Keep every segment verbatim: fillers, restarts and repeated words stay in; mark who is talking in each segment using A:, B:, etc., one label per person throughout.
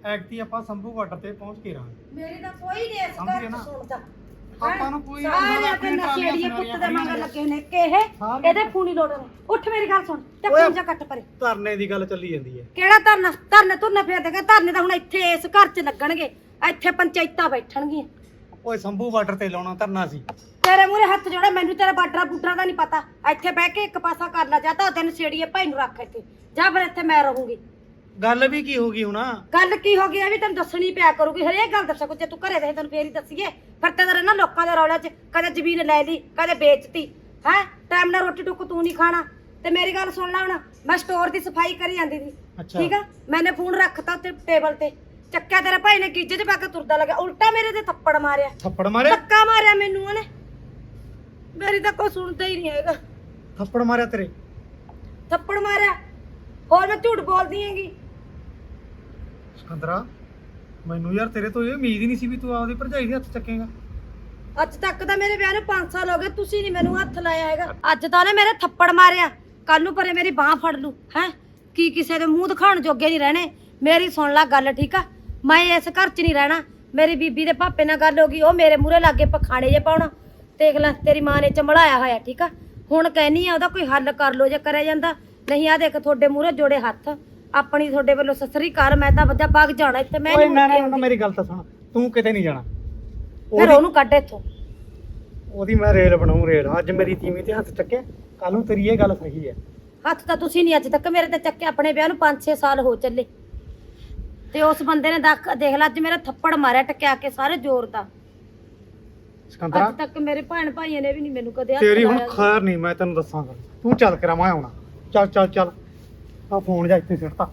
A: ਐਕਟੀ ਆਪਾਂ ਸੰਭੂ ਬਾਰਡਰ ਤੇ ਪਹੁੰਚ ਕੇ ਰਹਾਂਗੇ।
B: ਮੇਰੀ ਤਾਂ ਕੋਈ ਨਹੀਂ ਇਸ
A: ਸਮਝ ਗਏ
B: ਘਰ
A: ਨਾ?
B: ਚ ਸੁਣਦਾ।
A: ਆਪਾਂ ਨੂੰ ਕੋਈ
B: ਸਾਰੇ ਆਪਣੇ ਨਸ਼ੇੜੀਏ ਪੁੱਤ ਦੇ ਮਗਰ ਲੱਗੇ ਨੇ ਕਿ ਇਹ ਇਹਦੇ ਫੂਨੀ ਲੋੜ ਨੇ। ਉੱਠ ਮੇਰੀ ਗੱਲ ਸੁਣ ਤੇ
A: ਓਏ।
B: ਫੋਨ ਜਾ ਕੱਟ ਪਰੇ।
A: ਧਰਨੇ ਦੀ ਗੱਲ ਚੱਲੀ ਜਾਂਦੀ ਹੈ।
B: ਕਿਹੜਾ ਧਰਨਾ? ਧਰਨੇ ਤੁਰਨੇ ਫੇਰ ਦੇਗਾ ਧਰਨੇ ਤਾਂ ਹੁਣ ਇੱਥੇ ਇਸ ਘਰ ਚ ਲੱਗਣਗੇ। ਇੱਥੇ ਪੰਚਾਇਤਾਂ ਬੈਠਣਗੀਆਂ।
A: ਓਏ ਸੰਭੂ ਬਾਰਡਰ ਤੇ ਲਾਉਣਾ ਧਰਨਾ ਸੀ।
B: ਤੇਰੇ ਮੂਹਰੇ ਹੱਥ ਜੋੜੇ, ਮੈਨੂੰ ਤੇਰਾ ਬਾਡਰਾ ਬੁੱਡਰਾ ਦਾ ਨਹੀਂ ਪਤਾ। ਇੱਥੇ ਬਹਿ ਕੇ ਇੱਕ ਪਾਸਾ ਕਰ ਲੈ, ਜਾਂ ਤਾਂ ਉਹਦੇ ਨਸ਼ੇੜੀਏ ਭਾਈ ਨੂੰ ਰੱਖ ਇੱਥੇ, ਜਾਂ ਫਿਰ ਇੱਥੇ ਮੈਂ ਰਹੂੰਗੀ।
A: ਗੱਲ ਵੀ ਕੀ ਹੋ ਗਈ ਹੁਣ?
B: ਗੱਲ ਕੀ ਹੋ ਗਈ ਇਹ ਵੀ ਤੈਨੂੰ ਦੱਸਣੀ ਪਿਆ ਕਰੂਗੀ। ਹਰੇਕ ਗੱਲ ਦੱਸਿਆ ਕੋ, ਜੇ ਤੂੰ ਘਰੇ ਰਹੇ ਤੈਨੂੰ ਫੇਰ ਹੀ ਦੱਸੀਏ। ਫਿਰ ਤੇ ਤੇਰੇ ਨਾ ਲੋਕਾਂ ਦੇ ਰੌਲਿਆਂ 'ਚ ਕਦੇ ਜ਼ਮੀਨ ਲੈ ਲਈ, ਕਦੇ ਵੇਚਤੀ ਹੈ। ਟਾਈਮ ਨਾਲ ਰੋਟੀ ਟੁੱਕ ਤੂੰ ਨਹੀਂ ਖਾਣਾ। ਤੇ ਮੇਰੀ ਗੱਲ ਸੁਣ ਲੈ, ਹੁਣ ਮੈਂ ਸਟੋਰ ਦੀ ਸਫਾਈ ਕਰੀ ਜਾਂਦੀ ਸੀ,
A: ਅੱਛਾ।
B: ਠੀਕ ਆ। ਮੈਨੇ ਫੋਨ ਰੱਖਤਾ ਉੱਤੇ ਟੇਬਲ ਤੇ, ਚੱਕਿਆ ਤੇਰੇ ਭਾਈ ਨੇ ਗੀਜੇ 'ਚ ਪਾ ਕੇ ਤੁਰਦਾ ਲੱਗਿਆ, ਉਲਟਾ ਮੇਰੇ ਤੇ ਥੱਪੜ ਮਾਰਿਆ।
A: ਥੱਪੜ ਮਾਰਿਆ?
B: ਧੱਕਾ ਮਾਰਿਆ ਮੈਨੂੰ ਉਹਨੇ। ਮੇਰੀ ਤਾਂ ਕੋਈ ਸੁਣਦਾ ਹੀ ਨਹੀਂ ਹੈਗਾ।
A: ਥੱਪੜ ਮਾਰਿਆ ਤੇਰੇ?
B: ਥੱਪੜ ਮਾਰਿਆ। ਹੋਰ ਮੈਂ ਝੂਠ ਬੋਲਦੀ ਹੈਗੀ?
A: ਸਿਕੰਦਰਾ, ਮੈਨੂੰ ਯਾਰ ਤੇਰੇ ਤੋਂ ਇਹ ਉਮੀਦ ਹੀ ਨਹੀਂ ਸੀ ਵੀ ਤੂੰ ਆਪਦੀ ਭਰਜਾਈ ਦੇ ਹੱਥ ਚੱਕੇਗਾ।
B: ਅੱਜ ਤੱਕ ਤਾਂ ਮੇਰੇ ਵਿਆਹ ਨੂੰ ਪੰਜ ਸਾਲ ਹੋ ਗਏ, ਤੁਸੀਂ ਨਹੀਂ ਮੈਨੂੰ ਹੱਥ ਲਾਇਆ ਹੈਗਾ। ਅੱਜ ਤਾਂ ਉਹਨੇ ਮੇਰੇ ਥੱਪੜ ਮਾਰਿਆ, ਕੱਲ ਨੂੰ ਪਰੇ ਮੇਰੀ ਬਾਹ ਫੜ ਲੂ ਹੈ। ਕੀ ਕਿਸੇ ਦੇ ਮੂੰਹ ਦਿਖਾਉਣ ਜੋਗੇ ਨਹੀਂ ਰਹਿਣੇ। ਮੇਰੀ ਸੁਣ ਲੈ ਗੱਲ, ਠੀਕ ਆ। ਮੈਂ ਇਸ ਘਰ 'ਚ ਨਹੀਂ ਰਹਿਣਾ। ਮੇਰੀ ਬੀਬੀ ਦੇ ਭਾਪੇ ਨਾਲ ਗੱਲ ਹੋ ਗਈ, ਉਹ ਮੇਰੇ ਮੂਹਰੇ ਲਾਗੇ ਪਖਾਣੇ ਜੇ ਪਾਉਣਾ। ਦੇਖ ਲੈ ਤੇਰੀ ਮਾਂ ਨੇ ਚੰਬੜਾਇਆ ਹੋਇਆ, ਠੀਕ ਆ। ਹੁਣ ਕਹਿਨੀ ਆ ਉਹਦਾ ਕੋਈ ਹੱਲ ਕਰ ਲੋ ਜੇ ਕਰਿਆ ਜਾਂਦਾ। ਨਹੀਂ ਆ ਦੇਖ ਤੁਹਾਡੇ ਮੂਹਰੇ ਜੋੜੇ ਹੱਥ, ਆਪਣੀ ਤੁਹਾਡੇ ਵੱਲੋਂ ਸਸਰੀ ਕਰ। ਮੈਂ ਤਾਂ ਵੱਜਾ ਭੱਗ ਜਾਣਾ ਇੱਥੇ। ਮੈਂ
A: ਓਏ
B: ਨਹੀਂ
A: ਨਾ
B: ਮੁੜ ਕੇ
A: ਨਾ
B: ਆਉਂਦੀ।
A: ਮੇਰੀ ਗੱਲ ਤਾਂ ਸੁਣ, ਤੂੰ ਕਿਤੇ ਨਹੀਂ ਜਾਣਾ।
B: ਫਿਰ ਉਹਨੂੰ ਕੱਢ ਇੱਥੋਂ।
A: ਉਹਦੀ ਮੈਂ ਰੇਲ ਬਣਾਉਂ ਰੇਲ। ਅੱਜ ਮੇਰੀ ਤੀਵੀਂ ਤੇ ਹੱਥ ਚੱਕਿਆ, ਕੱਲ ਨੂੰ ਤੇਰੀ ਇਹ ਗੱਲ ਸਹੀ ਹੈ।
B: ਹੱਥ ਤਾਂ ਤੁਸੀਂ ਨਹੀਂ ਅੱਜ ਤੱਕ ਮੇਰੇ ਤੇ ਚੱਕੇ। ਆਪਣੇ ਵਿਆਹ ਨੂੰ ਪੰਜ ਛੇ ਸਾਲ ਹੋ ਚੱਲੇ ਤੇ ਉਸ ਬੰਦੇ ਨੇ ਦੇਖ ਦੇਖ ਲੈ ਅੱਜ ਮੇਰਾ ਥੱਪੜ ਮਾਰਿਆ ਟਕਿਆ ਕੇ ਸਾਰੇ ਜ਼ੋਰ ਦਾ।
A: ਸਿਕੰਦਰਾ,
B: ਅੱਜ ਤੱਕ ਮੇਰੇ ਭੈਣ ਭਾਈਆਂ ਨੇ ਵੀ ਨਹੀਂ ਮੈਨੂੰ ਕਦੇ ਹੱਥ
A: ਤੇਰੀ ਹੁਣ
B: ਲਾਇਆ।
A: ਖੈਰ ਨਹੀਂ, ਮੈਂ ਤੈਨੂੰ ਦੱਸਾਂਗਾ। ਤੂੰ ਚੱਲ ਕਰਾਂ, ਮੈਂ ਆਉਣਾ। ਚੱਲ ਚੱਲ ਚੱਲ, ਆ ਫੋਨ ਜਾ ਇੱਥੇ ਸਿੱਟਤਾ।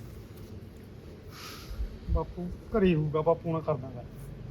A: ਬਾਪੂ ਘਰੇ ਹੀ ਹੋਊਗਾ, ਬਾਪੂ ਨਾਲ ਕਰ ਦਾਂਗਾ।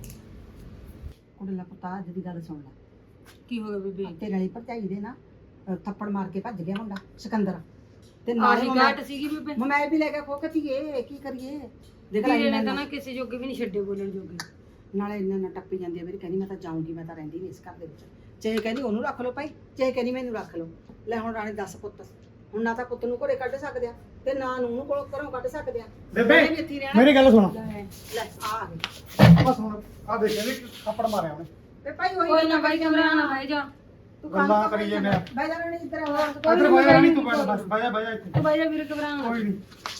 C: ਕੁੜੇ ਲਾ ਪੁੱਤਾ, ਅੱਜ ਦੀ ਗੱਲ ਸੁਣ ਲੈ।
B: ਕੀ ਹੋ ਗਿਆ ਬੀਬੀ?
C: ਤੇਰੇ ਵਾਲੀ ਭਰਜਾਈ ਦੇ ਨਾ ਅਹ ਥੱਪੜ ਮਾਰ ਕੇ ਭੱਜ ਗਿਆ ਮੁੰਡਾ ਸਿਕੰਦਰ। ਤੇ
B: ਆਹੀ
C: ਨਾਲੇ
B: ਗਾਟ ਸੀਗੀ ਬੀਬੀ।
C: ਮੈਂ ਵੀ ਲੈ ਕੇ ਖੋ ਕਤੀਏ, ਕੀ ਕਰੀਏ। ਦੇਖ ਲੈ
B: ਵੀਰੇ ਨੇ
C: ਇੰਨਾ-
B: ਤਾਂ ਨਾ ਕਿਸੇ ਜੋਗੇ ਵੀ ਨਹੀਂ ਛੱਡੇ ਬੋਲਣ ਜੋਗੇ।
C: ਨਾਲੇ ਇੰਨਾ ਨਾ ਟੱਪੀ ਜਾਂਦੀ ਆ। ਮੇਰੀ ਕਹਿੰਦੀ ਮੈਂ ਤਾਂ ਜਾਊਂਗੀ, ਮੈਂ ਤਾਂ ਰਹਿੰਦੀ ਨਹੀਂ ਇਸ ਘਰ ਦੇ ਵਿੱਚ। ਚਾਹੇ ਕਹਿੰਦੀ ਉਹਨੂੰ ਰੱਖ ਲਓ ਭਾਈ, ਚਾਹੇ ਕਹਿੰਦੀ ਮੈਨੂੰ ਰੱਖ ਲਓ। ਲੈ ਹੁਣ ਰਾਣੀ ਦੱਸ ਪੁੱਤ, ਹੁਣ ਨਾ ਤਾਂ ਪੁੱਤ ਨੂੰ ਘਰੇ ਕੱਢ ਸਕਦੇ ਆ ਤੇ ਨਾ ਨੂੰ ਨੂੰ ਕੋਲੋਂ ਘਰੋਂ ਕੱਢ ਸਕਦੇ ਆ।
A: ਬੇਬੇ,
C: ਉਹਨੇ ਵੀ ਇੱਥੇ ਹੀ ਰਹਿਣਾ।
A: ਮੇਰੀ ਗੱਲ ਸੁਣ।
C: ਲੈ ਲੈ ਆ ਆ ਗਈ।
A: ਆ ਸੁਣ, ਆ ਦੇਖ ਇਹਨੇ ਥੱਪੜ ਮਾਰਿਆ ਉਹਨੇ।
C: ਤੇ ਭਾਈ ਉਹੀ
B: ਕੋਈ ਨਾ ਬਾਈ ਕਮਰਾ ਨਾ ਬਾਈ ਜਾ।
C: ਤੂੰ
A: ਗੱਲਾਂ ਕਰੀ ਜੇ ਮੇਰਾ।
C: ਬਹਿ ਜਾ ਰਾਣੀ ਇੱਧਰ ਆ।
A: ਇੱਧਰ ਬਹਿ ਜਾ, ਨਹੀਂ ਤੂੰ ਬੈਠ, ਬਸ ਬਹਿ ਜਾ ਬਹਿ ਜਾ ਇੱਥੇ।
B: ਤੂੰ ਬਾਈ ਜਾ ਵੀਰੇ ਕਮਰਾ ਨਾ।
A: ਕੋਈ ਨਹੀਂ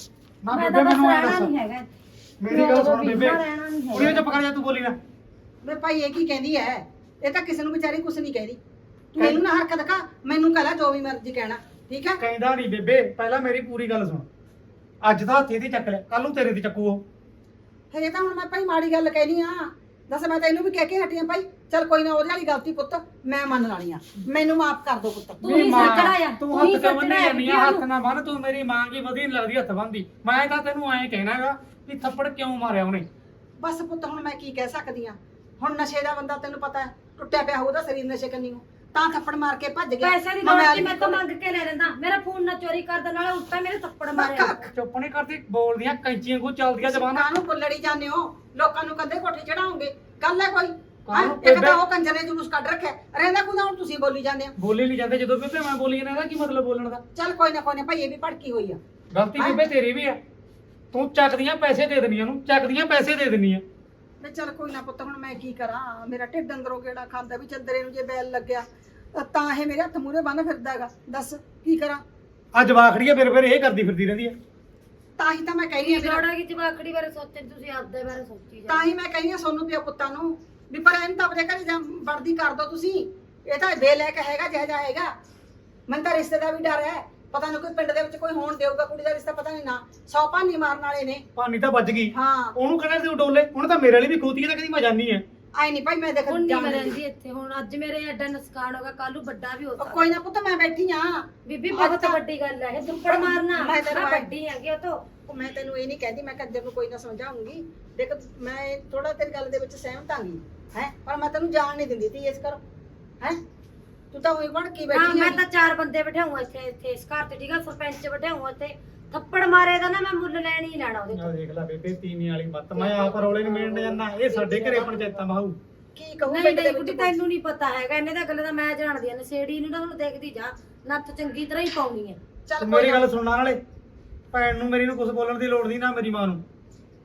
A: ਨਾ
B: ਮੈਂ
A: ਬੇਬੇ,
B: ਤਾਂ
A: ਮੈਨੂੰ ਐ
B: ਰਹਿਣਾ
A: ਦੱਸ।
B: ਨਹੀਂ ਹੈਗਾ।
A: ਮੇਰੀ ਗੱਲ ਸੁਣ ਬੇਬੇ,
B: ਰਹਿਣਾ ਨਹੀਂ ਹੈਗਾ।
A: ਉਹਨੇ ਚੁੱਪ ਕਰ ਜਾ, ਤੂੰ ਬੋਲੀ ਨਾ।
C: ਵੇ ਭਾਈ ਇਹ ਕੀ ਕਹਿੰਦੀ ਐ? ਇਹ ਤਾਂ ਕਿਸੇ ਨੂੰ ਵਿਚਾਰੀ ਕੁਛ ਨਹੀਂ ਕਹਿੰਦੀ। ਤੂੰ ਇਹਨੂੰ ਨਾ ਹਰਕਤ ਦਿਖਾ, ਮੈਨੂੰ ਕਹ ਲੈ ਜੋ ਵੀ ਮਰਜ਼ੀ ਕਹਿਣਾ, ਠੀਕ ਹੈ।
A: ਕਹਿੰਦਾ ਨਹੀਂ ਬੇਬੇ, ਪਹਿਲਾਂ ਮੇਰੀ ਪੂਰੀ ਗੱਲ ਸੁਣ। ਅੱਜ ਤਾਂ ਹੱਥੇ ਦੀ ਚੱਕ ਲਿਆ, ਕੱਲ ਨੂੰ ਤੇਰੇ ਦੀ ਚੱਕੂ ਉਹ।
C: ਫਿਰ ਇਹ ਤਾਂ ਹੁਣ ਮੈਂ ਭਾਈ ਮਾੜੀ ਗੱਲ ਕਹਿਨੀ ਆ। ਦੱਸ ਮੈਂ ਤਾਂ ਇਹਨੂੰ ਵੀ ਕਹਿ ਕੇ ਹਟੀ ਆ ਭਾਈ। ਚੱਲ ਕੋਈ ਨਾ, ਉਹਦੇ ਵਾਲੀ ਗਲਤੀ ਪੁੱਤ ਮੈਂ ਮੰਨ ਲਾਣੀ ਆ। ਮੈਨੂੰ ਮਾਫ ਕਰ ਦੋ ਪੁੱਤ।
B: ਤੂੰ ਹੀ ਸੱਚੜਾ ਯਾਰ,
A: ਤੂੰ
B: ਤੂੰ ਹੀ
A: ਹੱਥ ਤੇ ਬੰਨੀ
B: ਸੱਚੜਾ
A: ਜਾਂਦੀ ਆ, ਹੱਥ ਨਾ ਬੰਨ। ਤੂੰ ਮੇਰੀ ਮਾਂ ਕੀ ਵਧੀ ਨੀ ਲੱਗਦੀ ਹੱਥ ਬੰਨਦੀ। ਮੈਂ ਤਾਂ ਤੈਨੂੰ ਐਂ ਕਹਿਣਾਗਾ ਵੀ ਥੱਪੜ ਕਿਉਂ ਮਾਰਿਆ ਉਹਨੇ।
C: ਬਸ ਪੁੱਤ ਹੁਣ ਮੈਂ ਕੀ ਕਹਿ ਸਕਦੀ ਆ। ਹੁਣ ਨਸ਼ੇ ਦਾ ਬੰਦਾ ਤੈਨੂੰ ਪਤਾ ਹੈ, ਟੁੱਟਿਆ ਪਿਆ ਉਹਦਾ ਸਰੀਰ ਨਸ਼ੇ ਕੰਨੀ ਨੂੰ, ਤਾਂ ਥੱਪੜ ਮਾਰ ਕੇ ਭੱਜ ਗਿਆ।
B: ਪੈਸੇ ਦੀ
C: ਮੈਂ
B: ਲੋੜ
C: ਅੱਜ
B: ਸੀ, ਮੈਂ ਤਾਂ ਮੰਗ ਕੇ ਲੈ ਲੈਂਦਾ। ਮੇਰਾ ਫੋਨ ਨਾ ਚੋਰੀ ਕਰਦਾ, ਨਾਲੇ ਉੱਤਾ ਮੇਰੇ ਥੱਪੜ ਮਾਰਿਆ।
A: ਚੁੱਪ ਨਹੀਂ ਕਰਦੀ, ਬੋਲਦੀਆਂ ਕੈਂਚੀਆਂ ਕੋ ਚੱਲਦੀਆਂ ਜ਼ਬਾਨਾਂ।
C: ਕਾਹਨੂੰ ਬੁੱਲੜੀ ਜਾਂਦੇ ਹੋ? ਲੋਕਾਂ ਨੂੰ ਕੰਦੇ ਕੋਠੇ ਚੜਾਉਂਗੇ, ਗੱਲ ਹੈ ਕੋਈ?
A: ਕਾਹਨੂੰ
C: ਹਾਂ, ਇੱਕ ਤਾਂ
A: ਬੇਬੇ?
C: ਉਹ ਕੰਜਰ ਨੇ ਜਲੂਸ ਕੱਢ ਰੱਖਿਆ, ਰਹਿੰਦਾ ਕੁਦਾ ਹੁਣ ਤੁਸੀਂ ਬੋਲੀ ਜਾਂਦੇ ਹੋ।
A: ਬੋਲੀ ਨਹੀਂ ਜਾਂਦੇ ਜਦੋਂ ਬੇਬੇ ਮੈਂ ਬੋਲੀ ਜਾਂਦਾ, ਇਹਦਾ ਕੀ ਮਤਲਬ ਬੋਲਣ ਦਾ?
C: ਚੱਲ ਕੋਈ ਨਾ ਕੋਈ ਨਾ ਭਾਈ, ਇਹ ਵੀ ਭੜਕੀ ਹੋਈ ਆ।
A: ਗਲਤੀ ਬੇਬੇ ਤੇਰੀ ਵੀ ਆ। ਤੂੰ ਚੱਕਦੀਆਂ ਪੈਸੇ ਦੇ ਦਿੰਦੀਆਂ ਨੂੰ, ਚੱਕਦੀਆਂ ਪੈਸੇ ਦੇ ਦਿੰਦੀਆਂ।
C: ਮੈਂ ਚੱਲ ਕੋਈ ਨਾ ਪੁੱਤ, ਹੁਣ ਮੈਂ ਕੀ ਕਰਾਂ। ਮੇਰਾ ਢਿੱਡ ਅੰਦਰੋਂ ਕਿਹੜਾ ਖਾਂਦਾ ਵੀ ਚੰਦਰੇ ਨੂੰ ਜੇ ਬੈਲ ਲੱਗਿਆ ਤਾਂ ਇਹ ਮੇਰੇ ਹੱਥ ਮੂਹਰੇ ਬੰਨ ਫਿਰਦਾ ਹੈਗਾ। ਦੱਸ ਕੀ ਕਰਾਂ।
A: ਅੱਜ ਵਾਖੜੀ ਆ, ਫਿਰ ਫਿਰ ਇਹ ਕਰਦੀ ਫਿਰਦੀ ਰਹਿੰਦੀ ਆ।
C: ਤਾਂ ਹੀ ਤਾਂ ਮੈਂ ਕਹਿੰਦੀ ਆ ਵੀਰਾ-
B: ਲੋੜਾ ਕੀ ਜਵਾਕੜੀ ਬਾਰੇ ਸੋਚਣ, ਤੁਸੀਂ ਆਪਦੇ ਬਾਰੇ ਸੋਚੀ ਜਾ।
C: ਤਾਂ ਹੀ ਮੈਂ ਕਹਿੰਦੀ ਆ ਸੋਨੂੰ ਪਿਓ ਪੁੱਤਾਂ ਨੂੰ ਵੀ ਪਰ ਇਹਨੂੰ ਤਾਂ ਆਪਣੇ ਘਰੇ ਜਾਂ ਵਰਦੀ ਕਰ ਦੋ ਤੁਸੀਂ। ਇਹ ਤਾਂ ਬੇਲੈਕ ਹੈਗਾ, ਜਿਹੋ ਜਿਹਾ ਹੈਗਾ। ਮੈਨੂੰ ਤਾਂ ਰਿਸ਼ਤੇ ਦਾ ਵੀ ਡਰ ਹੈ। ਪਤਾ ਨਹੀਂ ਕੋਈ ਪਿੰਡ ਦੇ ਵਿੱਚ ਕੋਈ ਹੋਣ ਦੇਊਗਾ ਕੁੜੀ ਦਾ ਰਿਸ਼ਤਾ, ਪਤਾ ਨਹੀਂ ਨਾ। ਸੌ ਭਾਨੀ ਮਾਰਨ ਵਾਲੇ ਨੇ।
A: ਭਾਨੀ ਤਾਂ ਵੱਜ ਗਈ,
C: ਹਾਂ
A: ਉਹਨੂੰ ਕਹਿੰਦਾ ਤੂੰ ਡੋਲੇ। ਹੁਣ ਤਾਂ ਮੇਰੇ ਵਾਲੀ ਵੀ ਖੋਤੀ ਹੈ, ਤਾਂ ਕਦੀ ਮੈਂ ਜਾਨੀ ਆ।
C: ਆਈ ਨਹੀਂ ਭਾਈ, ਮੈਂ ਦੇਖ
B: ਹੁਣ ਨਹੀਂ
C: ਜਾਣ
B: ਮੈਂ
C: ਦਿੰਦੀ।
B: ਰਹਿੰਦੀ ਇੱਥੇ। ਹੁਣ ਅੱਜ ਮੇਰੇ ਐਡਾ ਨੁਕਸਾਨ ਹੋਗਾ, ਕੱਲ ਨੂੰ ਵੱਡਾ ਵੀ ਹੋ
C: ਉਹ
B: ਸਕਦਾ।
C: ਕੋਈ ਨਾ ਪੁੱਤ, ਮੈਂ ਬੈਠੀ ਆ।
B: ਬੀਬੀ ਬਹੁਤ ਵੱਡੀ ਗੱਲ ਹੈ ਇਹ, ਦੁੱਪੜ ਮਾਰਨਾ।
C: ਮੈਂ ਤੈਨੂੰ
B: ਮੈਂ
C: ਆਏ-
B: ਵੱਡੀ ਹੈਗੀ ਉਹ ਤੋਂ।
C: ਉਹ ਮੈਂ ਤੈਨੂੰ ਇਹ ਨਹੀਂ ਕਹਿੰਦੀ, ਮੈਂ ਕੰਜਰ ਨੂੰ ਕੋਈ ਨਾ ਸਮਝਾਉਂਗੀ। ਦੇਖ ਮੈਂ ਥੋੜਾ ਤੇਰੀ ਗੱਲ ਦੇ ਵਿੱਚ ਸਹਿਮਤ ਆਂਗੀ ਹੈ, ਪਰ ਮੈਂ ਤੈਨੂੰ ਜਾਣ ਨਹੀਂ ਦਿੰਦੀ ਤੀ ਇਸ ਕਰੋ ਹੈ। ਤੂੰ ਤਾਂ ਉਹੀ ਬਣ ਕੇ
B: ਹਾਂ,
C: ਬੈਠੀ
B: ਮੈਂ
C: ਆ।
B: ਤਾਂ ਚਾਰ ਬੰਦੇ ਬਿਠਾਉਂ ਇੱਥੇ ਇੱਥੇ ਇਸ ਘਰ ਤੇ, ਠੀਕ ਆ। ਸਰਪੰਚ ਬਿਠਾਉਂ ਇੱਥੇ। ਥੱਪੜ ਮਾਰੇ ਦਾ ਨਾ ਮੈਂ ਮੁੱਲ ਲੈਣ ਹੀ ਲੈਣਾ ਉਹਦੇ ਤੋਂ।
A: ਆ ਦੇਖ ਲੈ ਬੇਬੇ, ਤੀਵੀਂ ਵਾਲੀ ਮੱਤ। ਮੈਂ ਆਪ ਰੌਲੇ ਨੂੰ ਮਿਲਣ ਜਾਂਦਾ। ਇਹ ਸਾਡੇ ਘਰੇ ਪੰਚਾਇਤਾਂ ਬਾਹੂ।
C: ਕੀ ਕਹੂੰ
B: ਨਹੀਂ
C: ਪਿੰਡ ਦੇ
B: ਨਹੀਂ
C: ਵਿੱਚ
B: ਬੁੱਢੀ, ਤੈਨੂੰ ਨਹੀਂ ਪਤਾ ਹੈਗਾ ਇਹਨੇ ਤਾਂ ਗੱਲ ਦਾ। ਮੈਂ ਜਾਣਦੀ ਆ ਨਸ਼ੇੜੀ ਨੂੰ ਨਾ, ਹੁਣ ਦੇਖਦੀ ਜਾ। ਨੱਥ ਚੰਗੀ ਤਰ੍ਹਾਂ ਹੀ ਪਾਉਣੀ ਹੈ।
C: ਚੱਲ
A: ਤੂੰ
C: ਕੋਈ
A: ਮੇਰੀ
C: ਨਾ।
A: ਗੱਲ ਸੁਣਨ ਵਾਲੇ, ਭੈਣ ਨੂੰ ਮੇਰੀ ਨੂੰ ਕੁਝ ਬੋਲਣ ਦੀ ਲੋੜ ਨਹੀਂ, ਨਾ ਮੇਰੀ ਮਾਂ ਨੂੰ।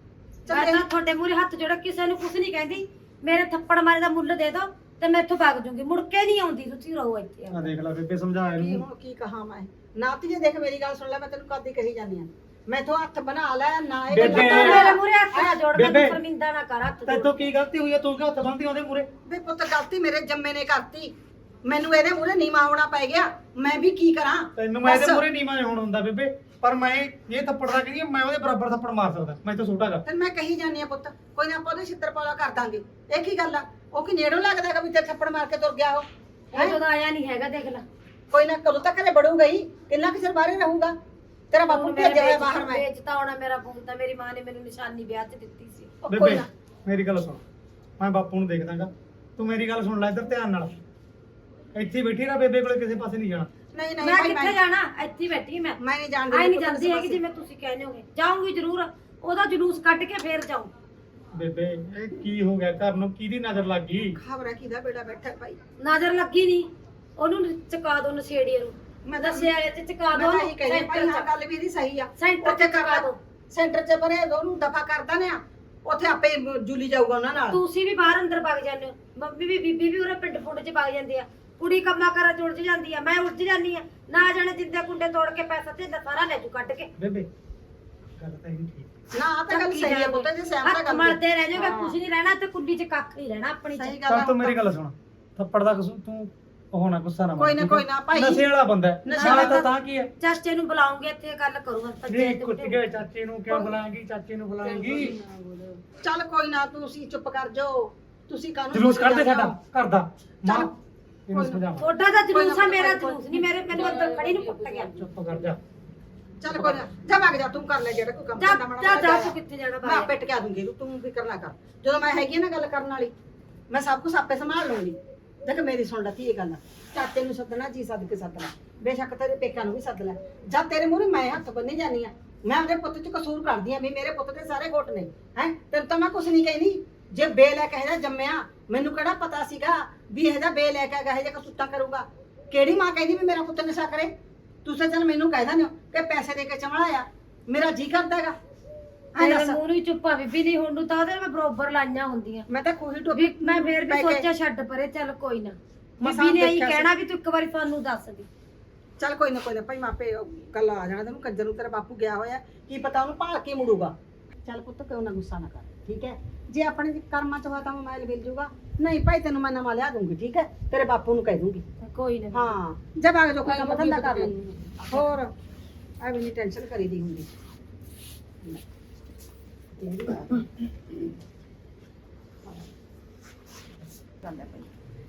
C: ਚੱਲ
B: ਮੈਂ
C: ਇਹ-
B: ਤਾਂ ਤੁਹਾਡੇ ਮੂਹਰੇ ਹੱਥ ਜੋੜ ਕਿਸੇ ਨੂੰ ਕੁਝ ਨਹੀਂ ਕਹਿੰਦੀ। ਮੇਰੇ ਥੱਪੜ ਮਾਰੇ ਦਾ ਮੁੱਲ ਦੇ ਦਿਓ ਤੇ ਮੈਂ ਇੱਥੋਂ ਭੱਗ ਜੂੰਗੀ, ਮੁੜ ਕੇ ਨਹੀਂ ਆਉਂਦੀ। ਤੁਸੀਂ ਰਹੋ ਇੱਥੇ।
A: ਆ ਦੇਖ ਲੈ ਬੇਬੇ ਸਮਝਾ
C: ਕੀ
A: ਇਹਨੂੰ।
C: ਹੁਣ ਕੀ ਕਹਾਂ ਮੈਂ ਨਾ ਧੀਏ ਦੇਖ ਮੇਰੀ ਗੱਲ ਸੁਣ ਲੈ, ਮੈਂ ਤੈਨੂੰ ਕਦੀ ਕਹੀ ਜਾਂਦੀ ਆ ਮੈਥੋਂ ਹੱਥ ਬਣਾ ਲੈ ਨਾ ਇਹ
A: ਬੇਬੇ,
C: ਗੱਲਾਂ
B: ਤੂੰ
C: ਕਰ।
B: ਮੇਰੇ ਮੂਹਰੇ ਹੱਥ ਨਾ ਜੋੜ, ਮੈਨੂੰ
A: ਬੇਬੇ।
B: ਸ਼ਰਮਿੰਦਾ ਨਾ ਕਰ ਹੱਥ
A: ਤੈਥੋਂ
B: ਜੋੜ।
A: ਕੀ ਗਲਤੀ ਹੋਈ ਹੈ? ਤੂੰ ਕਿਉਂ ਹੱਥ ਬੰਨ੍ਹਦੀ ਉਹਦੇ ਮੂਰੇ?
C: ਵੇ ਪੁੱਤ ਗਲਤੀ ਮੇਰੇ ਜੰਮੇ ਨੇ ਕਰਤੀ, ਮੈਨੂੰ ਇਹਦੇ ਮੂਹਰੇ ਨੀਵਾਂ ਹੋਣਾ ਪੈ ਗਿਆ। ਮੈਂ ਵੀ ਕੀ ਕਰਾਂ?
A: ਤੈਨੂੰ ਮੈਂ ਇਹਦੇ
C: ਬਸ।
A: ਮੂਰੇ ਨੀਵਾਂ ਹੋਣ ਹੁੰਦਾ ਬੇਬੇ, ਪਰ ਮੈਂ ਇਹ ਥੱਪੜ ਦਾ ਕਹਿੰਦੀ ਮੈਂ ਉਹਦੇ ਬਰਾਬਰ ਥੱਪੜ ਮਾਰ ਸਕਦਾ, ਮੈਂ ਤਾਂ ਛੋਟਾ ਗਾ।
C: ਫਿਰ ਮੈਂ ਕਹੀ ਜਾਂਦੀ ਆ ਪੁੱਤ ਕੋਈ ਨਾ ਆਪਾਂ ਉਹਦੇ ਛਿੱਤਰ ਪੌਲਾ ਕਰ ਦਾਂਗੇ। ਇਹ ਕੀ ਗੱਲ ਆ? ਉਹ ਕੀ ਨੇੜੋਂ ਲੱਗਦਾ ਹੈਗਾ ਵੀ ਤੇ ਥੱਪੜ ਮਾਰ ਕੇ ਤੁਰ ਗਿਆ ਉਹ?
B: ਉਹ ਜਦੋਂ ਆਇਆ ਨਹੀਂ ਹੈਗਾ ਦੇਖ ਲੈ।
C: ਕੋਈ ਨਾ ਕਦੋਂ ਤੱਕ ਘਰੇ ਬੜੂਗਾ ਹੀ, ਕਿੰਨਾ ਕੁ ਚਿਰ ਬਾਹਰੇ ਰਹੂਗਾ? ਤੇਰਾ ਬਾਪੂ
B: ਹੁਣ
C: ਭੇਜਿਆ ਹੋਇਆ
B: ਵੇਚ-
C: ਬਾਹਰ ਮੈਂ।
B: ਵੇਚਤਾ ਹੋਣਾ ਮੇਰਾ ਫੋਨ ਤਾਂ ਮੇਰੀ ਮਾਂ ਨੇ ਮੈਨੂੰ ਨਿਸ਼ਾਨੀ ਵਿਆਹ 'ਚ ਦਿੱਤੀ ਸੀ।
C: ਉਹ ਕੋਈ
A: ਬੇਬੇ
C: ਨਾ
A: ਮੇਰੀ ਗੱਲ ਸੁਣ, ਮੈਂ ਬਾਪੂ ਨੂੰ ਦੇਖਦਾਗਾ, ਤੂੰ ਮੇਰੀ ਗੱਲ ਸੁਣ ਲੈ ਇੱਧਰ ਧਿਆਨ ਨਾਲ। ਇੱਥੇ ਹੀ ਬੈਠੀ ਰਹਿ, ਬੇਬੇ ਕੋਲੇ ਕਿਸੇ ਪਾਸੇ ਨਹੀਂ ਜਾਣਾ।
C: ਨਹੀਂ ਨਹੀਂ
B: ਮੈਂ
C: ਭਾਈ
B: ਕਿੱਥੇ
C: ਮੈਂ
B: ਜਾਣਾ? ਇੱਥੇ ਹੀ ਬੈਠੀ ਮੈਂ।
C: ਮੈਂ ਨਹੀਂ ਜਾਣਦੀ
B: ਆਈ ਨਹੀਂ ਜਾਂਦੀ ਹੈਗੀ ਜਿਵੇਂ ਤੁਸੀਂ ਕਹਿੰਦੇ ਹੋਗੇ। ਜਾਊਂਗੀ ਜ਼ਰੂਰ, ਉਹਦਾ ਜਲੂਸ ਕੱਢ ਕੇ ਫੇਰ ਜਾਊਂ।
A: ਬੇਬੇ ਇਹ ਕੀ ਹੋ ਗਿਆ? ਘਰ ਨੂੰ ਕਿਹਦੀ ਨਜ਼ਰ ਲੱਗ ਗਈ?
C: ਖਬਰ ਹੈ ਕਿਹਦਾ ਬੇੜਾ ਬੈਠਾ ਭਾਈ।
B: ਨਜ਼ਰ ਲੱਗੀ ਨਹੀਂ, ਉਹਨੂੰ ਚਕਾ ਦੋ ਨਸ਼ੇੜੀਏ ਨੂੰ।
C: ਮੈਂ ਤਾਂ
B: ਦੱਸਿਆ ਇਹ ਚ ਚਕਾ ਦੋ
C: ਮੈਂ ਤਾਂ ਇਹੀ ਕਹਿੰਦੀ ਭਾਈ, ਹਾਂ ਗੱਲ ਵੀ ਇਹਦੀ ਸਹੀ ਆ।
B: ਸੈਂਟਰ
C: ਉੱਥੇ
B: ਚ ਚਕਾ ਦੋ।
C: ਸੈਂਟਰ 'ਚ ਪਰੇ ਉਹਨੂੰ ਦਫਾ ਕਰਦਾ ਨੇ ਆ, ਉੱਥੇ ਆਪੇ ਜੁਲੀ ਜਾਊਗਾ ਉਹਨਾਂ ਨਾਲ।
B: ਤੁਸੀਂ ਵੀ ਬਾਹਰ ਅੰਦਰ ਵਗ ਜਾਂਦੇ ਹੋ, ਮੰਮੀ ਵੀ ਬੀਬੀ ਵੀ ਉਹਰੇ ਪਿੰਡ ਪੁੰਡ ਚ ਵਗ ਜਾਂਦੀ ਆ। ਕੁੜੀ ਕੰਮਾਂ ਕਰਾਂ ਚ ਉਲਝ ਜਾਂਦੀ ਆ, ਮੈਂ ਉਲਝ ਜਾਂਦੀ ਆ। ਨਾ ਜਾਣੇ ਜਿੰਦੇ ਕੁੰਡੇ ਤੋੜ ਕੇ ਪੈਸਾ ਤੇ ਸਾਰਾ ਲੈ ਜੂ ਕੱਢ ਕੇ।
A: ਬੇਬੇ ਗੱਲ ਤਾਂ ਇਹ ਠੀਕ।
C: ਨਾ ਆ ਤਾਂ ਗੱਲ ਸਹੀ ਹੈ ਪੁੱਤ, ਜੇ ਸਹਿਮਤ
B: ਹੱਥ
C: ਕਰ
B: ਮਲਦੇ ਰਹਿ ਜਾਓਗੇ, ਕੁਝ ਨਹੀਂ ਰਹਿਣਾ ਤੇ ਕੁੱਲੀ ਚ ਕੱਖ ਨਹੀਂ ਰਹਿਣਾ ਆਪਣੀ
C: ਸਹੀ
B: ਚ।
C: ਗੱਲ
A: ਚੱਲ
C: ਆ।
A: ਤੂੰ ਮੇਰੀ ਗੱਲ ਸੁਣ, ਥੱਪੜ ਦਾ ਕਸੂਰ ਤੂੰ ਉਹ ਨਾ ਗੁੱਸਾ ਨਾ
C: ਕੋਈ ਨਾ,
A: ਠੀਕ
C: ਕੋਈ
A: ਹੈ?
C: ਨਾ ਭਾਈ।
A: ਨਸ਼ੇ ਵਾਲਾ ਬੰਦਾ ਹੈ,
C: ਨਸ਼ੇ
A: ਨਾਲੇ
C: ਵਾਲਾ
A: ਤਾਂ ਤਾਂ ਕੀ ਹੈ?
B: ਚਾਚੇ ਨੂੰ ਬੁਲਾਉਂਗੇ ਇੱਥੇ ਗੱਲ ਕਰੂਗਾ।
A: ਨਹੀਂ ਕੁੱਟ ਕੇ ਚਾਚੇ ਨੂੰ ਕਿਉਂ ਬੁਲਾਏਂਗੀ? ਚਾਚੇ ਨੂੰ ਬੁਲਾਏਂਗੀ।
C: ਚੱਲ ਕੋਈ ਨਾ, ਤੁਸੀਂ ਚੁੱਪ ਕਰ ਜਾਓ। ਤੁਸੀਂ ਕਾਹਨੂੰ
A: ਜਲੂਸ ਕੱਢ ਦੇ
C: ਜਾਂਦੇ
A: ਸਾਡਾ
C: ਹੋ?
A: ਘਰ ਦਾ। ਮਾਂ
C: ਚੱਲ,
A: ਇਹਨੂੰ
C: ਕੋਈ ਨਾ।
A: ਸਮਝਾ।
B: ਤੁਹਾਡਾ ਤਾਂ ਜਲੂਸ ਆ, ਮੇਰਾ ਜਲੂਸ ਨਹੀਂ। ਮੇਰੇ ਮੈਨੂੰ ਅੰਦਰ ਖੜੀ ਨੂੰ ਕੁੱਟ ਗਿਆ।
A: ਚੁੱਪ ਕਰ ਜਾ।
C: ਚੱਲ ਕੋਈ ਨਾ, ਜਾ ਵਗ ਜਾ, ਤੂੰ ਕਰ ਲੈ ਜਿਹੜਾ ਕੋਈ ਕੰਮ
B: ਜਾ
C: ਕਰਨਾ ਮਾੜਾ
B: ਜਾ
C: ਮੋਟਾ
B: ਜਾ
C: ਜਾ।
B: ਤੂੰ ਕਿੱਥੇ ਜਾਣਾ
C: ਮੈਂ
B: ਬਾਹਰ?
C: ਆਪੇ ਟਕਿਆ ਦੂੰਗੀ, ਤੂੰ ਫਿਕਰ ਨਾ ਕਰ। ਜਦੋਂ ਮੈਂ ਹੈਗੀ ਆ ਨਾ ਗੱਲ ਕਰਨ ਵਾਲੀ, ਮੈਂ ਸਭ ਕੁਝ ਆਪੇ ਸੰਭਾਲ ਲੂੰਗੀ। ਦੇਖ ਮੇਰੀ ਸੁਣ ਲੈ ਧੀਏ ਗੱਲ, ਚਾਚੇ ਨੂੰ ਸੱਦਣਾ ਜੀ ਸੱਦ ਕੇ ਸੱਦ ਲੈ, ਬੇਸ਼ੱਕ ਤੇਰੇ ਪੇਕਾਂ ਨੂੰ ਵੀ ਸੱਦ ਲੈ। ਜਦ ਤੇਰੇ ਮੂਹਰੇ ਮੈਂ ਹੱਥ ਬੰਨੀ ਜਾਨੀ ਆ, ਮੈਂ ਉਹਦੇ ਪੁੱਤ 'ਚ ਕਸੂਰ ਕਰਦੀ ਆ ਵੀ ਮੇਰੇ ਪੁੱਤ ਦੇ ਸਾਰੇ ਗੁੱਟ ਨੇ। ਹੈ ਤੈਨੂੰ ਤਾਂ ਮੈਂ ਕੁਝ ਨਹੀਂ ਕਹਿੰਦੀ। ਜੇ ਬੇਲ ਹੈ ਕਹੇ ਜੰਮਿਆ, ਮੈਨੂੰ ਕਿਹੜਾ ਪਤਾ ਸੀਗਾ ਵੀ ਇਹ ਜਿਹਾ ਬੇਲ ਹੈ ਕਹੇ ਜਿਹਾ ਕਸੂਤਾ ਕਰੂਗਾ। ਕਿਹੜੀ ਮਾਂ ਕਹਿੰਦੀ ਵੀ ਮੇਰਾ ਪੁੱਤ ਨਸ਼ਾ ਕਰੇ? ਤੁਸੀਂ ਚੱਲ ਮੈਨੂੰ ਕਹਿ ਦਿੰਦੇ ਹੋ ਕਿ ਪੈਸੇ ਦੇ ਕੇ ਚਮੜਾਇਆ, ਮੇਰਾ ਜੀ ਕਰਦਾ ਹੈਗਾ। ਐਂ
B: ਮੇਰੇ
C: ਦੱਸ,
B: ਮੂੰਹ ਨੂੰ ਹੀ ਚੁੱਪਾ ਬੀਬੀ ਨਹੀਂ, ਹੁਣ ਨੂੰ ਤਾਂ ਉਹਦੇ ਮੈਂ ਬਰੋਬਰ ਲਾਈਆਂ ਹੁੰਦੀਆਂ।
C: ਮੈਂ ਤਾਂ ਖੂਹੀ ਟੋਪੀ
B: ਵੀ ਮੈਂ ਫੇਰ ਵੀ
C: ਪੈ ਕੇ-
B: ਸੋਚਿਆ ਛੱਡ ਪਰੇ, ਚੱਲ ਕੋਈ ਨਾ।
C: ਮਸਾਂ
B: ਬੀਬੀ ਨੇ ਇਹੀ
C: ਦੇਖਿਆ ਸੀ।
B: ਕਹਿਣਾ ਵੀ ਤੂੰ ਇੱਕ ਵਾਰੀ ਸਾਨੂੰ ਦੱਸ ਦੀ।
C: ਚੱਲ ਕੋਈ ਨਾ ਕੋਈ ਨਾ ਭਾਈ, ਮਾਪੇ ਕੱਲ ਆ ਜਾਣਾ ਤੈਨੂੰ। ਕੰਜਰ ਨੂੰ ਤੇਰਾ ਬਾਪੂ ਗਿਆ ਹੋਇਆ, ਕੀ ਪਤਾ ਉਹਨੂੰ ਭਾਲ ਕੇ ਮੁੜੂਗਾ। ਚੱਲ ਪੁੱਤ ਕਿਉਂ ਨਾ ਗੁੱਸਾ ਨਾ ਕਰ, ਠੀਕ ਹੈ? ਜੇ ਆਪਣੇ ਕਰਮਾਂ ਚ ਹੋਇਆ ਤਾਂ ਮੋਬਾਈਲ ਮਿਲ ਜੂਗਾ, ਨਹੀਂ ਭਾਈ ਤੈਨੂੰ ਮੈਂ ਨਵਾਂ ਲਿਆ ਦੂੰਗੀ, ਠੀਕ ਹੈ? ਤੇਰੇ ਬਾਪੂ ਨੂੰ ਕਹਿ ਦੂੰਗੀ।
B: ਕੋਈ ਨਾ।
C: ਹਾਂ ਜਦ ਆ ਜੋ ਕੋਈ ਕੰਮ ਧੰਦਾ ਕਰ ਲੈ। ਹੋਰ ਐਵੇਂ ਨਹੀਂ ਟੈਨਸ਼ਨ ਕਰੀ ਦੀ ਹੁੰਦੀ। ਚੱਲ ਭਾਈ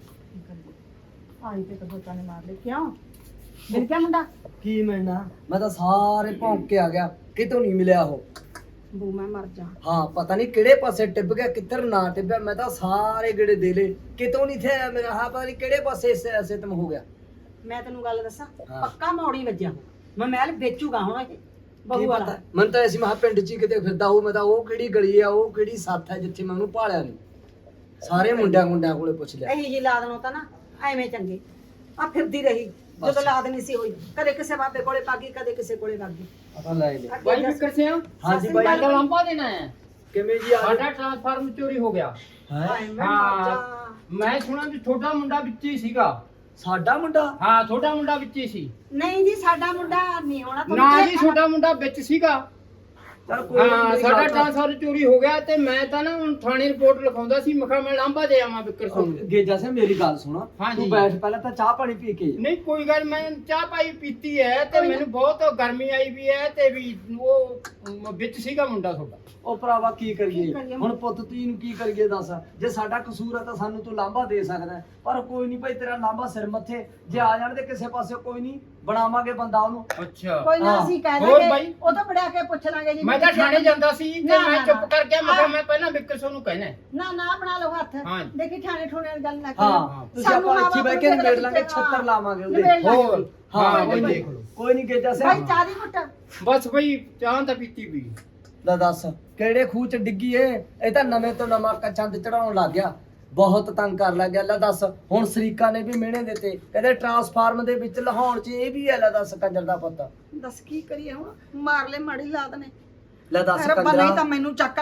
C: ਆਈ ਤੇ ਤਾਂ ਬੋਤਾਂ ਨੇ ਮਾਰ ਲਈ। ਕਿਉਂ ਮਿਲ ਗਿਆ ਮੁੰਡਾ?
D: ਕੀ ਮਿਲਣਾ? ਮੈਂ ਤਾਂ ਸਾਰੇ ਭੌਂਕ ਕੇ ਆ ਗਿਆ, ਕਿਤੋਂ ਨਹੀਂ ਮਿਲਿਆ ਉਹ।
C: ਬੂ ਮੈਂ ਮਰ ਜਾ।
D: ਹਾਂ ਪਤਾ ਨਹੀਂ ਕਿਹੜੇ ਪਾਸੇ ਟਿੱਬ ਗਿਆ, ਕਿੱਧਰ ਨਾ ਟਿੱਬਿਆ। ਮੈਂ ਤਾਂ ਸਾਰੇ ਗੇੜੇ ਦੇ ਲਏ, ਕਿਤੋਂ ਨਹੀਂ ਥੇ ਆਇਆ ਮੇਰਾ। ਹਾਂ ਪਤਾ ਨਹੀਂ ਕਿਹੜੇ ਪਾਸੇ ਸਿੱਤਮ ਹੋ ਗਿਆ।
C: ਮੈਂ ਤੈਨੂੰ ਗੱਲ ਦੱਸਾਂ,
D: ਹਾਂ।
C: ਪੱਕਾ ਮੌੜੀ ਵੱਜਿਆ ਮੈਂ ਮਹਿਲ ਵੇਚੂਗਾ ਹੁਣ ਇਹ
D: ਕੀ
C: ਬਹੂ
D: ਪਤਾ,
C: ਵਾਲਾ।
D: ਮੈਨੂੰ ਤਾਂ ਐਸੀ ਮਹਾ ਪਿੰਡ 'ਚ ਹੀ ਕਿਤੇ ਫਿਰਦਾ ਉਹ। ਮੈਂ ਤਾਂ ਉਹ ਕਿਹੜੀ ਗਲੀ ਆ, ਉਹ ਕਿਹੜੀ ਸੱਥ ਹੈ ਜਿੱਥੇ ਮੈਂ ਉਹਨੂੰ ਭਾਲਿਆ ਨਹੀਂ। ਸਾਰੇ ਮੁੰਡਿਆਂ ਮੁੰਡਿਆਂ ਕੋਲੇ ਪੁੱਛ ਲਿਆ।
C: ਇਹੀ ਜੀ ਲਾਦ ਨੂੰ ਤਾਂ ਨਾ ਐਵੇਂ ਚੰਗੇ ਆ ਫਿਰਦੀ ਰਹੀ ਜਦੋਂ
D: ਬਸ।
C: ਲਾਦ ਨਹੀਂ ਸੀ ਹੋਈ। ਕਦੇ ਕਿਸੇ ਬਾਬੇ ਕੋਲੇ ਪਾਗੀ, ਕਦੇ ਕਿਸੇ ਕੋਲੇ ਵਾਗੀ।
D: ਪਤਾ ਲੈ ਲੈ।
E: ਬਾਈ ਵਿਕਰ ਸਿੰਘ
D: ਹਾਂਜੀ ਬਾਈ,
E: ਸਾਡਾ ਲੰਬਾ ਦੇਣਾ ਹੈ।
D: ਕਿਵੇਂ ਜੀ ਆ
E: ਸਾਡਾ ਟ੍ਰਾਂਸਫਾਰਮ ਚੋਰੀ ਹੋ ਗਿਆ।
D: ਹੈ?
C: ਹਾਏ ਮੈਂ ਮਰ ਜਾ।
E: ਮੈਂ ਸੁਣਾ ਵੀ ਛੋਟਾ ਮੁੰਡਾ ਵਿੱਚ ਹੀ ਸੀਗਾ।
D: ਸਾਡਾ ਮੁੰਡਾ?
E: ਹਾਂ ਛੋਟਾ ਮੁੰਡਾ ਵਿੱਚ ਹੀ ਸੀ।
C: ਨਹੀਂ ਜੀ ਸਾਡਾ ਮੁੰਡਾ ਨਹੀਂ ਹੋਣਾ।
E: ਨਾ ਜੀ ਛੋਟਾ ਮੁੰਡਾ ਵਿੱਚ ਸੀਗਾ।
D: ਚਲ ਕੋਈ ਨੀ,
E: ਹਾਂ
D: ਮੇਰੀ
E: ਸਾਡਾ
D: ਗੱਲ ਤਾਂ-
E: ਟ੍ਰਾਂਸਫਾਰਮ ਚੋਰੀ ਹੋ ਗਿਆ ਤੇ ਮੈਂ ਤਾਂ ਨਾ ਹੁਣ ਥਾਣੇ ਰਿਪੋਰਟ ਲਿਖਾਉਂਦਾ ਸੀ। ਮੈਂ ਕਿਹਾ ਮੈਂ ਲਾਂਬਾ ਦੇ ਆਵਾਂ ਵਿਕਰ ਸਿੰਘ ਨੂੰ।
D: ਗੇਜਾ ਸਿੰਘ ਮੇਰੀ ਗੱਲ ਸੁਣ,
E: ਹਾਂਜੀ।
D: ਤੂੰ ਬੈਠ ਪਹਿਲਾਂ ਤਾਂ ਚਾਹ ਪਾਣੀ ਪੀ ਕੇ ਜਾ।
E: ਨਹੀਂ ਕੋਈ ਗੱਲ, ਮੈਂ ਚਾਹ ਪਾਈ ਪੀਤੀ ਹੈ ਤੇ ਮੈਨੂੰ ਬਹੁਤ ਗਰਮੀ ਆਈ ਵੀ ਹੈ ਤੇ ਵੀ ਉਹ ਅਮ, ਵਿੱਚ ਸੀਗਾ ਮੁੰਡਾ ਤੁਹਾਡਾ।
D: ਉਹ ਭਰਾਵਾ ਕੀ
C: ਕੀ
D: ਕਰੀਏ
C: ਕਰੀਏ?
D: ਹੁਣ? ਪੁੱਤ ਤੀ ਨੂੰ ਕੀ ਕਰੀਏ ਦੱਸ? ਜੇ ਸਾਡਾ ਕਸੂਰ ਆ ਤਾਂ ਸਾਨੂੰ ਤੂੰ ਲਾਂਭਾ ਦੇ ਸਕਦਾ ਹੈ। ਪਰ ਕੋਈ ਨਹੀਂ ਭਾਈ, ਤੇਰਾ ਲਾਂਭਾ ਸਿਰ ਮੱਥੇ। ਜੇ ਆ ਜਾਣ ਦੇ ਕਿਸੇ ਪਾਸੇ ਕੋਈ ਨਹੀਂ, ਬਣਾਵਾਂਗੇ ਬੰਦਾ ਉਹਨੂੰ।
E: ਅੱਛਾ
C: ਕੋਈ ਨਾ
D: ਹਾਂ।
C: ਅਸੀਂ ਕਹਿ
E: ਹੋਰ
C: ਦਾਂਗੇ,
E: ਬਾਈ?
C: ਉਹ ਤਾਂ ਬੜਿਆ ਕੇ ਪੁੱਛ ਲਾਂਗੇ ਜੀ।
E: ਮੈਂ ਤਾਂ ਥਾਣੇ ਜਾਂਦਾ ਸੀ ਤੇ
C: ਨਾ,
E: ਮੈਂ
C: ਨਾ,
E: ਚੁੱਪ
C: ਨਾ।
E: ਕਰ ਗਿਆ। ਮੈਂ ਕਿਹਾ
C: ਹਾਂ।
E: ਮੈਂ ਪਹਿਲਾਂ ਵਿਕਰ ਸਿੰਘ ਨੂੰ ਕਹਿਣਾ ਹੈ।
C: ਨਾ ਨਾ ਬਣਾ ਲਓ ਹੱਥ।
E: ਹਾਂ।
C: ਦੇਖੀ ਠਾਣੇ ਠੋਣੇ ਵਾਲੀ ਗੱਲ ਨਾ
D: ਹਾਂ
C: ਕਰੋ।
D: ਤੁਸੀਂ ਆਪਾਂ ਇੱਥੇ ਬਹਿ ਕੇ ਨਿਬੇੜ ਲਾਂਗੇ, ਛੱਤਰ ਲਾਵਾਂਗੇ ਉਹਦੇ।
C: ਨਿਬੇੜ ਲਾਂਗੇ
E: ਹੋਰ
C: ਅਸੀਂ।
D: ਹਾਂ
E: ਹਾਂ
D: ਕੋਈ
E: ਇਹ
D: ਨਹੀਂ,
E: ਦੇਖ ਲਓ।
D: ਕੋਈ ਨਹੀਂ ਗੇਜਾ
C: ਭਾਈ
D: ਸਿੰਘ।
C: ਚਾਹ ਦੀ ਘੁੱਟ।
E: ਬਸ ਬਈ ਚਾਹ ਤਾਂ ਪੀਤੀ ਵੀ।
D: ਦਾ ਦੱਸ ਕਿਹੜੇ ਖੂਹ ਚ ਡਿੱਗੀ ਏ? ਇਹ ਤਾਂ ਨਵੇਂ ਤੋਂ ਨਵਾਂ ਕ- ਚੰਦ ਚੜਾਉਣ ਲੱਗ ਗਿਆ, ਬਹੁਤ ਤੰਗ ਕਰ ਲੱਗ ਗਿਆ। ਲੈ ਦੱਸ, ਹੁਣ ਸਰੀਕਾ ਨੇ ਵੀ ਮਿਹਣੇ ਦਿੱਤੇ, ਕਹਿੰਦੇ ਟਰਾਂਸਫਾਰਮ ਦੇ ਵਿੱਚ ਲਹਾਉਣ ਚ ਇਹ ਵੀ ਹੈ। ਲੈ ਦੱਸ ਕੰਜਰ ਦਾ ਪੁੱਤ,
C: ਦੱਸ ਕੀ ਕਰੀਏ ਹੁਣ? ਮਾਰ ਲੈ ਮਾੜੀ ਲਾਦ ਨੇ।
D: ਲੈ ਦੱਸ
C: ਰੱਬਾ ਨਹੀਂ ਤਾਂ
D: ਕੰਜਰਾ।
C: ਮੈਨੂੰ ਚੱਕ ਲੈ,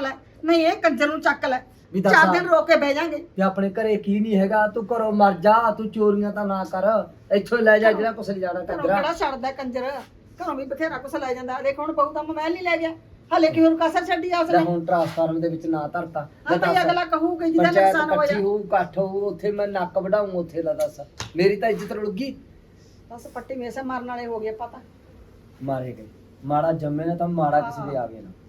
C: ਨਹੀਂ ਇਹ ਕੰਜਰ ਨੂੰ ਚੱਕ ਲੈ
D: ਵੀ ਦੱਸ
C: ਚਾਰ
D: ਆ।
C: ਦਿਨ ਰੋਕ ਕੇ ਬਹਿ ਜਾਾਂਗੇ
D: ਵੀ ਆਪਣੇ ਘਰੇ ਕੀ ਨਹੀਂ ਹੈਗਾ, ਤੂੰ ਘਰੋਂ ਮਰ ਜਾ, ਤੂੰ ਚੋਰੀਆਂ ਤਾਂ ਨਾ ਕਰ, ਇੱਥੋਂ ਹੀ ਲੈ ਜਾ ਜਿਹੜਾ ਕੁਛ ਲਿਜਾਣਾ
C: ਘਰੋਂ
D: ਕੰਜਰਾ।
C: ਕਿਹੜਾ ਛੱਡਦਾ ਕੰਜਰ, ਘਰੋਂ ਵੀ ਬਥੇਰਾ ਕੁਛ ਲੈ ਜਾਂਦਾ। ਦੇਖ ਹੁਣ ਬਹੂ ਦਾ ਮੋਬਾਈਲ ਨਹੀਂ ਲੈ ਗਿਆ, ਹਲੇ ਕਿ ਹੁਣ ਕਸਰ ਛੱਡੀ ਆ
D: ਲੈ
C: ਉਸਨੇ।
D: ਹੁਣ ਟ੍ਰਾਂਸਫਾਰਮਰ ਦੇ ਵਿੱਚ ਨਾ ਧਰਤਾ,
C: ਹਾਂ ਭਈ ਅਗਲਾ ਕਹੂਗਾ ਜਿਹਦਾ
D: ਪੰਚਾਇਤ
C: ਨੁਕਸਾਨ
D: ਇਕੱਠੀ
C: ਹੋਇਆ।
D: ਹੋਊ, ਇਕੱਠ ਹੋਊ, ਉੱਥੇ ਮੈਂ ਨੱਕ ਵਢਾਊਂ, ਉੱਥੇ ਲਾ ਦੱਸ ਮੇਰੀ ਤਾਂ ਇੱਜ਼ਤ ਰੁਲ ਗਈ।
C: ਬਸ ਪੱਟੀ ਮੇਸੇ ਮਾਰਨ ਵਾਲੇ ਹੋ ਗਏ ਪਤਾ।
D: ਮਾਰੇ ਗਏ, ਮਾੜਾ ਜੰਮੇ ਨਾ ਤਾਂ ਮਾੜਾ ਕਿਸੇ ਦੇ ਆ ਗਏ ਨਾ।